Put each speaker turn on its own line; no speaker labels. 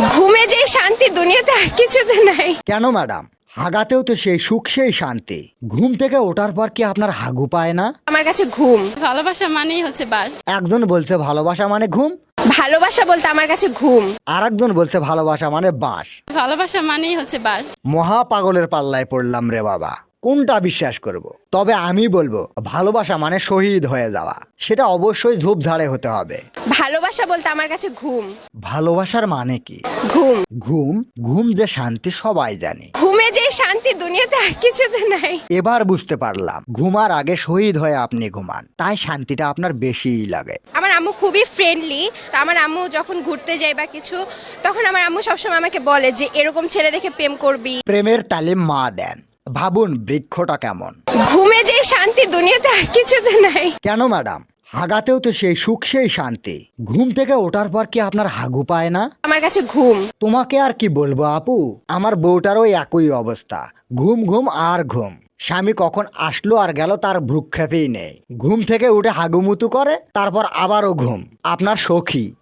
ঘুমে যে শান্তি দুনিয়াতে আর কিছুতে নাই।
কেন ম্যাডাম? হাগাতেও তো সেই সুখ সেই শান্তি। ঘুম থেকে ওঠার পর কি আপনার হাগু পায় না?
আমার কাছে ঘুম,
ভালোবাসা মানেই হচ্ছে বাস।
একজন বলছে ভালোবাসা মানে ঘুম,
ভালোবাসা বলতে আমার কাছে ঘুম।
আর একজন বলছে ভালোবাসা মানে বাঁশ।
ভালোবাসা মানেই হচ্ছে বাস।
মহা পাগলের পাল্লায় পড়লাম রে বাবা, কোনটা বিশ্বাস করব? তবে আমি বলবো ভালোবাসা মানে শহীদ হয়ে যাওয়া, সেটা অবশ্যই ঝোপঝাড়ে হতে হবে।
ভালোবাসা বলতে আমার কাছে ঘুম।
ভালোবাসার মানে কি?
ঘুম,
ঘুম, ঘুম যে শান্তি সবাই জানে।
ঘুমে যে শান্তি দুনিয়াতে আর কিছুতে নাই।
এবার বুঝতে পারলাম, ঘুমার আগে শহীদ হয়ে আপনি ঘুমান, তাই শান্তিটা আপনার বেশিই লাগে।
আমার আম্মু খুবই ফ্রেন্ডলি। আমার আম্মু যখন ঘুরতে যায় বা কিছু, তখন আমার আম্মু সবসময় আমাকে বলে যে এরকম ছেলে দেখে প্রেম করবি।
প্রেমের তালিম মা দেন। ভাবুন বৃক্ষটা কেমন।
ঘুমে যে শান্তি দুনিয়াতে আর কিছুতে নাই।
কেন ম্যাডাম? হাগাতেও তো সেই সুখ সেই শান্তি। ঘুম থেকে ওঠার পর কি আপনার হাগু পায় না?
আমার কাছে ঘুম।
তোমাকে আর কি বলবো আপু, আমার বউটারও একই অবস্থা। ঘুম ঘুম আর ঘুম। স্বামী কখন আসলো আর গেল তার ভ্রুক্ষেপেই নেই। ঘুম থেকে উঠে হাগুমুতু করে, তারপর আবারও ঘুম। আপনার সখী